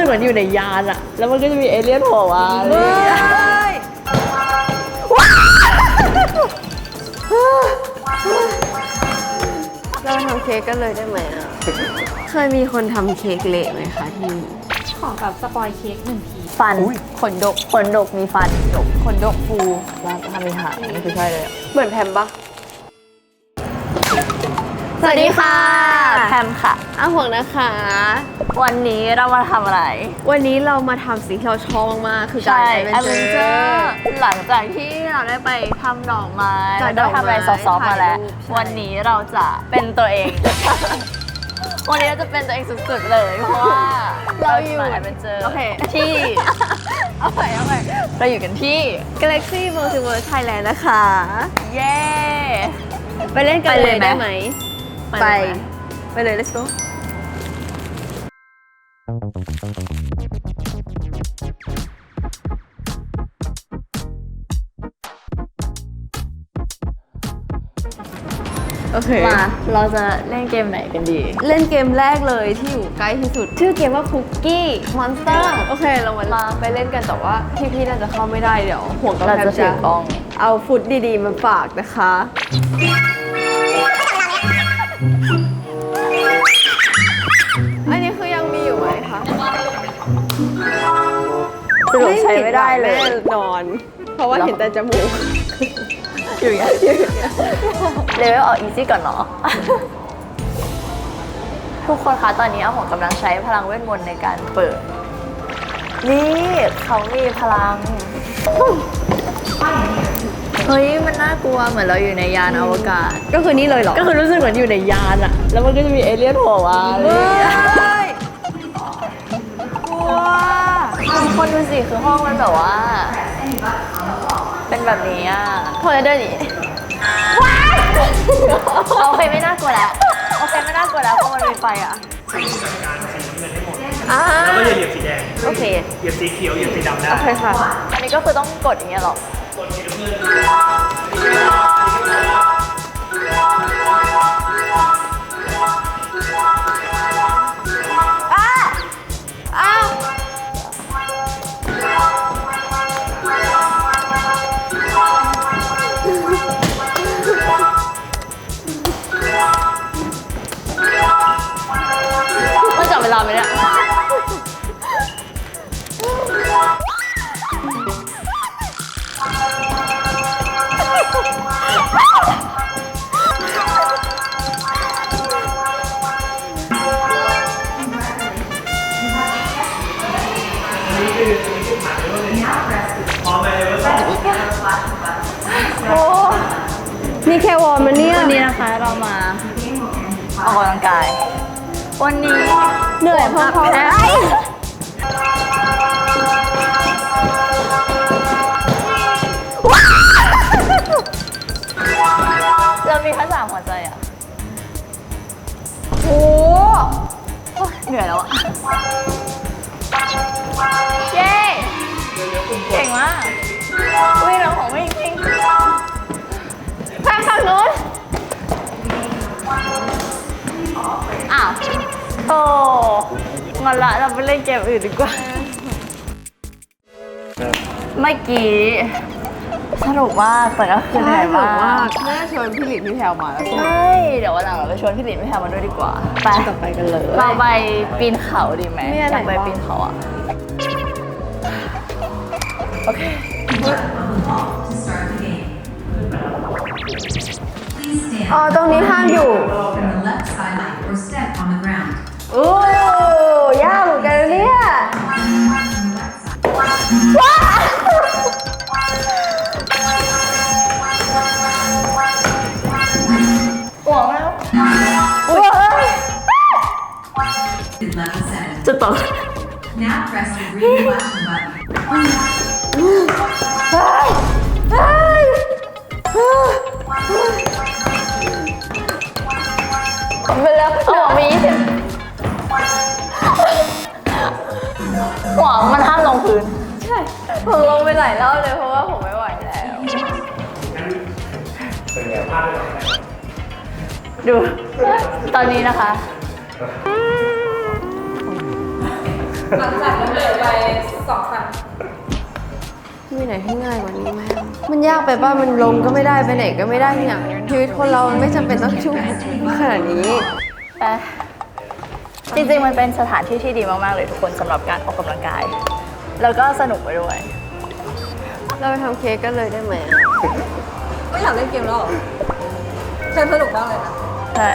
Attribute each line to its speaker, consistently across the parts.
Speaker 1: เหมือนอยู่ในยานอะแล้วมันก็จะมีเอเลี่ยนโผล่มา
Speaker 2: เราทำเค้กกันเลยได้ไหมอ่ะ เคยมีคนทำเค้กเละไหมคะที่
Speaker 1: ขอแบบสปอยเค้ก1 ที
Speaker 2: ฟันขนดกมีฟันขนดกฟู
Speaker 1: แล้วทำเป็นหางนี่คือใช่เลย
Speaker 2: เหมือนแพมปะสวัสดีค่ะแพมค่ะอ้าห่วงนะคะ
Speaker 1: วันนี้เรามาทำอะไร
Speaker 2: วันนี้เรามาทำสิ่งที่เราชอบมากๆคือการ
Speaker 1: แอดเวนเจอร์หลังจากที่เราได้ไปทำดอกไม้
Speaker 2: จัด
Speaker 1: แล้วก็ทำอะไร
Speaker 2: ดอก
Speaker 1: ซ
Speaker 2: ไม้
Speaker 1: อฟๆมาแล้ว
Speaker 2: ถ่ายรูปใช่
Speaker 1: วันนี้เราจะเป็นตัวเอง วันนี้เราจะเป็นตัวเองสุดๆเลยเพราะว่าเราอยู่แอดเวนเจอร์
Speaker 2: โอเค
Speaker 1: ที่ เอาไปเราอยู่กันที่
Speaker 2: Galaxy Multiverse Thailand นะคะ
Speaker 1: เย้
Speaker 2: ไปเล่นกัน
Speaker 1: ไป
Speaker 2: เล
Speaker 1: เลย ยไหม
Speaker 2: ได้ไหม
Speaker 1: ไป
Speaker 2: ไปเลย let's go โอเค
Speaker 1: มาเราจะเล่นเกมไหนกันดี
Speaker 2: เล่นเกมแรกเลยที่อยู่ใกล้ที่สุด ชื่อเกมว่า Cookie Monster โอเค เรามาไปเล่นกันแต่ว่าพี่ๆน่าจะเข้าไม่ได้เดี๋ยวห่วงกับ
Speaker 1: เรา
Speaker 2: แพม
Speaker 1: จะถือกล้อง
Speaker 2: เอาฟุตดีๆมาฝากนะคะ อันนี้คือยังมีอยู่ไหมคะ
Speaker 1: สรุปใช้ไม่ได้เลย
Speaker 2: แน่นอน เพราะว่าเห็นแต่จมูก
Speaker 1: อยู่อย่างเงี้ยเลเวลเอาอีซี่ก่อนเนาะ ทุกคนคะตอนนี้อาหงกำลังใช้พลังเวทมนต์ในการเปิด นี่เขามีพลัง เฮ้ยมันน่ากลัวเหมือนเราอยู่ในยานอวกาศ
Speaker 2: ก็คือนี่เลยเหรอ
Speaker 1: ก็คือรู้สึกเหมือนอยู่ในยานอะแล้วมันก็จะมีเอเลี่ยนโผล่มา
Speaker 2: เฮ้ยกลัว
Speaker 1: ทุกคนดูสิคือห้องมันแบบว่า เป็นแบบนี้อะพอจะเดินหนีว้ายโอเคไม่น่ากลัวแล้วโอเคไม่น่ากลัวแล้วเพราะมันมีไฟอะ
Speaker 2: อ่า
Speaker 3: แล้วก็อย่าเหยียบสีแดง
Speaker 2: โอเค
Speaker 3: เหยียบสีเขียว เหยียบสีดำได้
Speaker 2: โอเคค่ะ
Speaker 1: อันนี้ก็คือต้องกดอย่างเงี้ยหรอ
Speaker 2: อ้าว
Speaker 1: ต้องจับเวลาไหมเนี่ยโอ้
Speaker 2: มีแค่วอร์มมันเนี่ย
Speaker 1: วันนี้นะคะเรามาออกกำลังกาย วันนี้
Speaker 2: เหนื่อยพอๆ
Speaker 1: แพ้เรามีแค่3 หัวใจอ่ะ
Speaker 2: โอ้
Speaker 1: เหนื่อยแล้วอ่ะ เย้เก่งมากวิ่งแล้วของวิ่งวิ่งแพ้ฝั่งนู้นอ้าว โอ้งอนละเราไปเล่นเกมอื่นดีกว่า เมื่อกี้สนุกมากแต่ก็คือเหนื่อยมาก
Speaker 2: น่าชวนพี่หลินพี่แพรวมาแล้ว
Speaker 1: ใช่เดี๋ยววันหลังเราไปชวนพี่หลินพี่แพรมาด้วยดีกว่าไป
Speaker 2: ต่อไปกันเลย
Speaker 1: เราไปปีนเขาดีไหม
Speaker 2: มีอะไร
Speaker 1: อยากไป
Speaker 2: บ้าง
Speaker 1: ปีนเขาอ่ะ โอเค
Speaker 2: อ๋อ ตรงนี้ห้ามอยู่
Speaker 4: from the left sideline or step on the ground.
Speaker 2: โอ้ยากเหมือนกันนะเนี่ย
Speaker 1: ห่วงแล้ว
Speaker 2: อุ้ย
Speaker 4: Level 7.
Speaker 1: จะตก
Speaker 4: Now press the green flashing button.
Speaker 1: ไปแล้วเอาหัวมี20หัวมันห้ามลงพื้น
Speaker 2: ใช่ ผมลงไปหลายรอบเลยเพราะว่าผมไม่ไหวแล้ว
Speaker 1: ดู ตอนนี้นะคะ
Speaker 5: หลังจากนั้นเลยไป2 ครั้ง
Speaker 2: มีไหนที่ง่ายกว่านี้ไหมมันยากไปป่ะ มันลงก็ไม่ได้ไปไหนก็ไม่ได้เนี่ยชีวิตคนเรามันไม่จำเป็นต้องชุ่มขนาดนี้
Speaker 1: แต่จริงๆ มันเป็นสถานที่ที่ดีมากๆ เลยทุกคนสำหรับการออกกำลังกาย แล้วก็สนุกไปด้วย
Speaker 2: เราไปทำเค้กกันเลยได้ไหม
Speaker 5: ไม่อยากเล่นเกมแล้วเหรอเชิญสนุกมากเลยนะ
Speaker 1: ใช่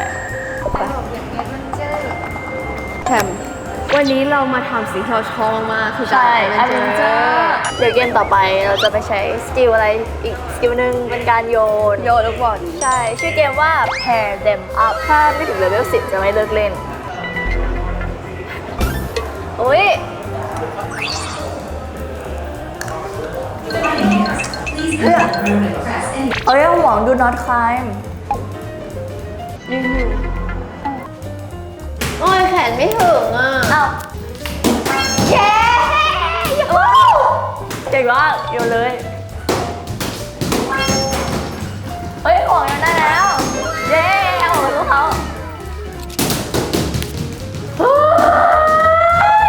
Speaker 2: แถมวันนี้เรามาทำสิ่งที่เราชอบมากคือ
Speaker 1: ใช่
Speaker 2: การ
Speaker 1: a อ v e n เจอร์เดี๋ยวเกมต่อไปเราจะไปใช้สกิลอะไรอีกสกิลหนึ่งเป็นการโยน
Speaker 2: โยนลูกบอล
Speaker 1: ใช่ ชื่อเกมว่า pair them up ถ้าไม่ถึงเลเวล 10 จะไม่เลิกเล่น อุ้ย
Speaker 4: Please enter the room and press any
Speaker 1: เอ้ยห่วง do not climb
Speaker 2: โอ้ยแขนไม่ถึงอ่ะ
Speaker 1: อ้าวเย้ว้าวเก่งมากโยนเลย เฮ้ยห่วงยังได้แล้ว เย้เอาของลูกเขาเฮ้ย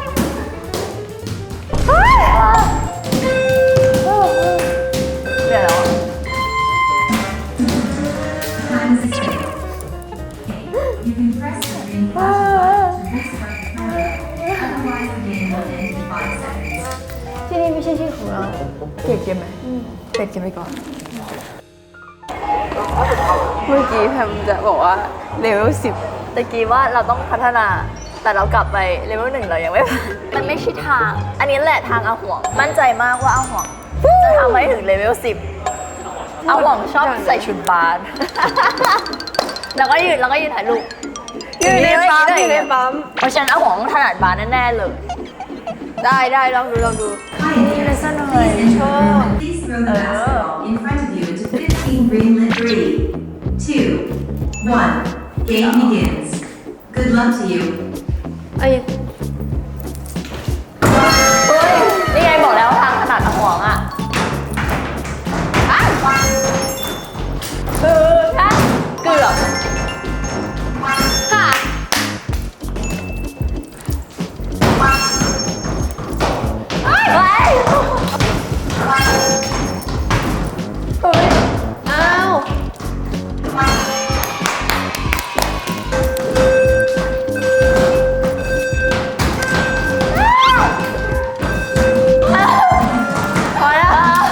Speaker 1: เฮ้ยเดี๋ยว
Speaker 4: time is escape. You can press the green flash button to restart the timer. Otherwise, the game will end in 5 seconds.
Speaker 1: ที่นี่ไม่ใช่ที่ของเราเปลี่ยนเกมไหมเปลี่ยนเกมไปก่อน
Speaker 2: เมื่อกี้แพมจะบอกว่าเลเวล
Speaker 1: ตะกี้ว่าเราต้องพัฒนา แต่เรากลับไปเลเวล 1เรายังไม่ผ่านมันไม่ใช่ทาง อันนี้แหละทางอาห่วง มั่นใจมากว่าอาห่วงจะทำให้ถึงเลเวล 10อาห่วงชอบใส่ชุดบาส แล้วก็ยืนถ่ายรูป
Speaker 2: 10อยู่ในปั๊มอยู่ในปั๊ม
Speaker 1: เพราะฉะนั้นอาห่วงถนัดบาสแน่ๆเลย
Speaker 2: ได้ลองดู
Speaker 4: Pioneers, please enter the room and please throw the basketball in front of you into 15 green-lit 3, 2, 1. Game begins. Good luck to you.
Speaker 2: ไอ้
Speaker 1: เฮ้ย นี่ไงบอกแล้วว่าทางถนัดอาห่วงอ่ะคือถ้าเกือบค่ะ เฮ้ย
Speaker 2: อ้าว
Speaker 1: พอแล้ว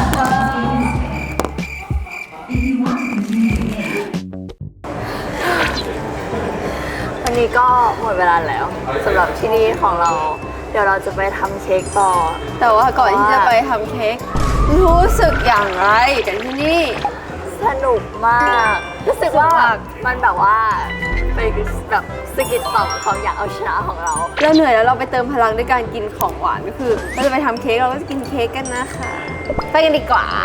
Speaker 4: If you want to continue the game,
Speaker 1: วันนี้ก็หมดเวลาแล้วสำหรับที่นี่ของเรา เดี๋ยวเราจะไปทำเค้กต่อ
Speaker 2: แต่ว่าก่อนที่จะไปทำเค้กรู้สึกอย่างไรกันที่นี่
Speaker 1: สนุกมาก รู้สึกว่ามันแบบว่าเป็นแบบสกิดต่อมความอยากเอาชนะของเรา
Speaker 2: เราเหนื่อยแล้วเราไปเติมพลังด้วยการกินของหวานก็คือเราจะไปทำเค้กเราก็จะกินเค้กกันนะคะ ไปกันดีกว่า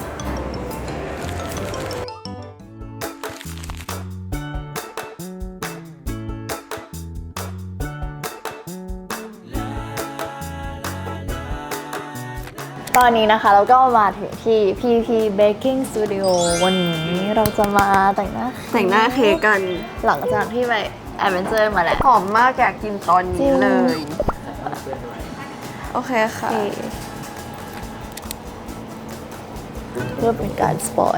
Speaker 1: ตอนนี้นะคะเราก็มาถึงที่ PP Baking Studio วันนี้เราจะมาแต่งหน้า
Speaker 2: แต่งหน้าเค้กกัน
Speaker 1: หลังจากที่ไปแอดเวนเจอร์มาแล้ว
Speaker 2: หอมมากอยากกินตอนนี้เลย โอเคค่ะ
Speaker 1: เพื่อเป็นการสปอย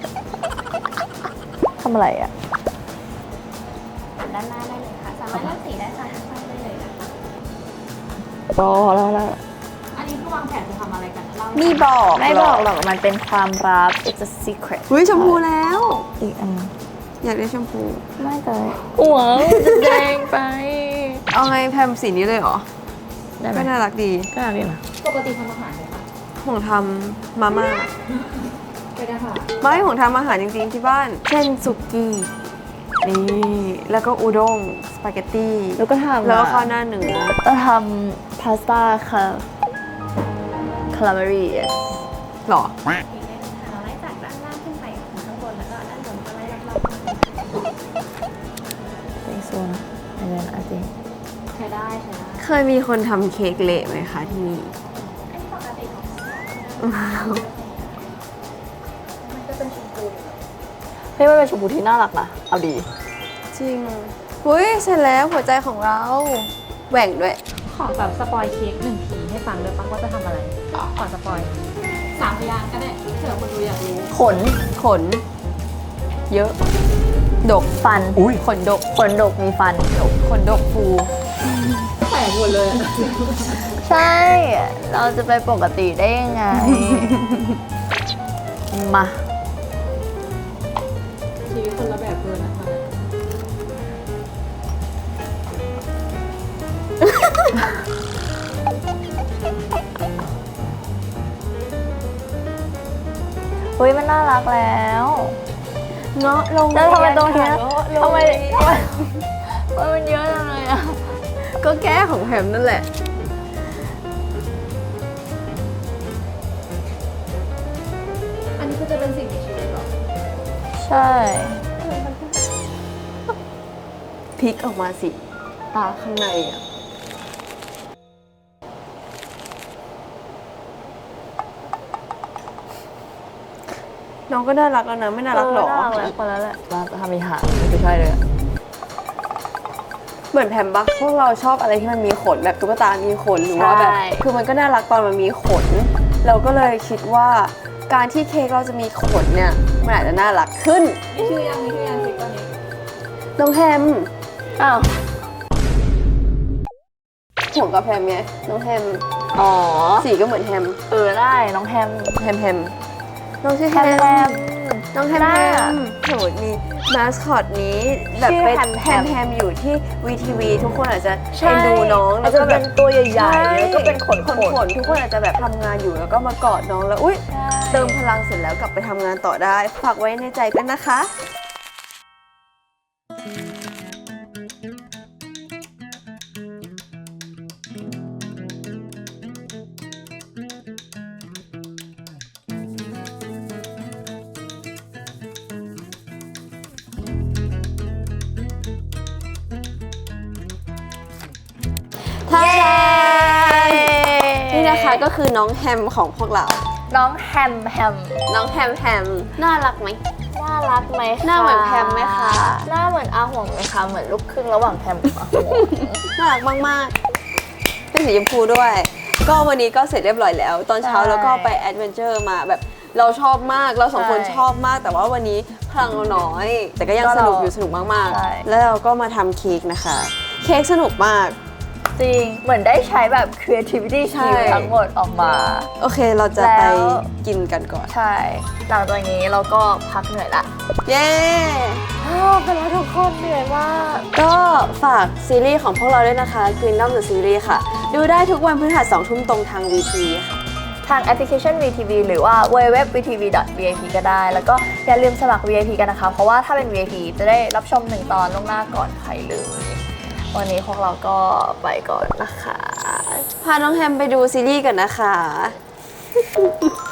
Speaker 1: ทำอะไรอ่ะ
Speaker 5: ด้านหน้าได้เลยค่ะ สามารถเลือกสีได้ค่ะทั้งไฟได้เลยนะคะ
Speaker 1: รอแล้ว
Speaker 5: อันนี้คือวางแผนจะทำอะไรกันเล่า
Speaker 2: มีบอก
Speaker 1: ไม่บอกหรอกมันเป็นความลับ it's a secret
Speaker 2: อุ้ยชมพูแล้ว
Speaker 1: อีกอัน
Speaker 2: อยากได้ชมพู
Speaker 1: ไม่เลยหัวจะแดงไป
Speaker 2: เอาไงแพมสีนี้เลยเหรอ
Speaker 1: ได้ไหม
Speaker 2: ก็น่ารักดี
Speaker 1: ก็ได้นะ
Speaker 5: ปกติทำอาหารไหมคะ
Speaker 2: ห่วงทำมาม่า
Speaker 5: ไม่ได้ค่ะ
Speaker 2: ไม่ห่วงทำอาหารจริงๆที่บ้าน เช่นสุกี้ นี่ แล้วก็อุด้ง สปาเกตตี้
Speaker 1: แล้วก็ทำ
Speaker 2: แล้วก็ข้าวหน้าเนื้อ
Speaker 1: เราทำพาสต้าค่ะคาราเมรี yes
Speaker 2: หรอ
Speaker 5: เราไล่จากด้านล่างขึ้นไปถึงข้างบนแล้วก็ด้านบนก็ไล่รอบ
Speaker 1: think so นะ and then I think
Speaker 5: ๆใช้ได้
Speaker 2: เคยมีคนทำเค้กเละไหมคะที่นี่
Speaker 5: อันนี้ปกติของมันจะเป็นชมพู
Speaker 1: เฮ้ยมันเป็นชมพูที่น่ารักนะ เอาดี
Speaker 2: จริง อุ้ยเสร็จแล้วหัวใจของเรา แหว่งด้วย
Speaker 1: ข
Speaker 6: ขอแบบสปอยเค้กหนึ่งทีให้ฟังด้วยป่ะว่าจะทำอะไรก่อนสปอย3 พยางค์ก็ได้เผื่อคนดูอยากรู้
Speaker 2: ขน เยอะ ดก
Speaker 1: ฟัน
Speaker 3: อุ้ย
Speaker 2: ขนดก
Speaker 1: ขนดกมีฟัน
Speaker 2: ขนดกฟู
Speaker 6: แปลกหมดเลย
Speaker 1: ใช่ เราจะไปปกติได้ยังไง มา
Speaker 6: ชีวิตคนละแบบเลยนะคะ
Speaker 1: เฮ้ยมันน่ารักแล้ว
Speaker 2: เงาะลง
Speaker 1: แล้วทำไมตรงเนี้ย
Speaker 2: เงาะลง
Speaker 1: ทำไมมันเยอะจังเลยอะ
Speaker 2: ก็แก้ของแฮมนั่นแหละ
Speaker 6: อันนี้ก็จะเป็นสิ่งมีชีวิตเหรอ
Speaker 1: ใช่
Speaker 2: พลิกออกมาสิ ตาข้างในอ่ะ น้องก็น่ารักแล้วนะ ไม่น่ารักหรอ
Speaker 1: น่ารักแล้วคนแล้วแหละว่าจะทำมีหางไม่ใช่เลยอะ
Speaker 2: เหมือนแพมบักพวกเราชอบอะไรที่มันมีขนแบบตุ๊กตา มีขนหรือว่าแบบ คือมันก็น่ารักตอนมันมีขน เราก็เลยคิดว่าการที่เค้กเราจะมีขนเนี่ย มันอาจจะน่ารักขึ้น
Speaker 6: มีชื่อยังเค้กตอนนี้
Speaker 2: น้องแฮม
Speaker 1: อ้าว
Speaker 2: ห่วงกับแฮมไงน้องแฮม
Speaker 1: อ๋อ
Speaker 2: สีก็เหมือนแฮม
Speaker 1: ได้น้องแฮม
Speaker 2: แฮมน้องชื่อ
Speaker 1: แฮ
Speaker 2: แฮ
Speaker 1: ม
Speaker 2: มน้องแฮม
Speaker 1: ได้
Speaker 2: แฮ
Speaker 1: อะ
Speaker 2: มโหมีมาสคอตนี้แบบ
Speaker 1: ชื่อ
Speaker 2: เป็น
Speaker 1: แฮม
Speaker 2: แฮ
Speaker 1: แฮ
Speaker 2: ม
Speaker 1: ม
Speaker 2: แฮมอยู่ที่ VTV ทุกคนอาจจะ
Speaker 1: ใช่
Speaker 2: เอ็นดูน้อง
Speaker 1: อาจจะ
Speaker 2: แบ
Speaker 1: เป็นตัวใหญ่ๆแล้วก็เป็นขน
Speaker 2: ขนทุกคนอาจจะแบบทำงานอยู่แล้วก็มากอดน้องแล้วอุ้ยเติมพลังเสร็จแล้วกลับไปทำงานต่อได้ฝากไว้ในใจกันนะคะ
Speaker 1: เย้
Speaker 2: นี่นะคะก็คือน้องแฮมของพวกเรา
Speaker 1: น้องแฮมแฮม
Speaker 2: น้องแฮมแฮมน่ารักไหม
Speaker 1: น่ารักไหมคะ
Speaker 2: หน้าเหมือนแพมไหมคะ
Speaker 1: หน้าเหมือนอาห่วงไหมคะเหมือนลูกครึ่งระหว่างแพมกับอาห่วง
Speaker 2: น่ารักมากๆเป็นสีชมพูด้วย ก็วันนี้ก็เสร็จเรียบร้อยแล้ว ตอนเช้า
Speaker 1: ใช่
Speaker 2: แล้วก็ไปแอดเวนเจอร์มาแบบเราชอบมากเราสองคน
Speaker 1: ใช่
Speaker 2: ชอบมาก แต่ว่าวันนี้พลังเราน้อย แต่ก็ยัง
Speaker 1: ก็
Speaker 2: ส
Speaker 1: เรา
Speaker 2: นุกอยู่สนุกมาก
Speaker 1: ใช่
Speaker 2: ๆ แล้วเราก็มาทำเค้กนะคะ เค้กสนุกมาก
Speaker 1: จริง เหมือนได้ใช้แบบ creativity
Speaker 2: ใช่
Speaker 1: skill ทั้งหมดออกมา
Speaker 2: โอเคเราจะ
Speaker 1: แล้ว
Speaker 2: ไปกินกันก่อน
Speaker 1: ใช่ หลังจากนี้เราก็พักเหนื่อยละ
Speaker 2: เย้
Speaker 1: เป็นแล้วทุกคนเหนื่อยมาก
Speaker 2: ก็ฝากซีรีส์ของพวกเราด้วยนะคะ Kingdom the Series ค่ะ ดูได้ทุกวันพฤหัส2 ทุ่มตรงทาง VTV ค่ะ
Speaker 1: ทางแอปพลิเคชัน VTV หรือว่า www.vtv.vip ก็ได้ แล้วก็อย่าลืมสมัคร VIP กันนะคะ เพราะว่าถ้าเป็น VIP จะได้รับชม1 ตอนล่วงหน้าก่อนใครเลย วันนี้พวกเราก็ไปก่อนนะคะ
Speaker 2: พาน้องแฮมไปดูซีรีส์กันนะคะ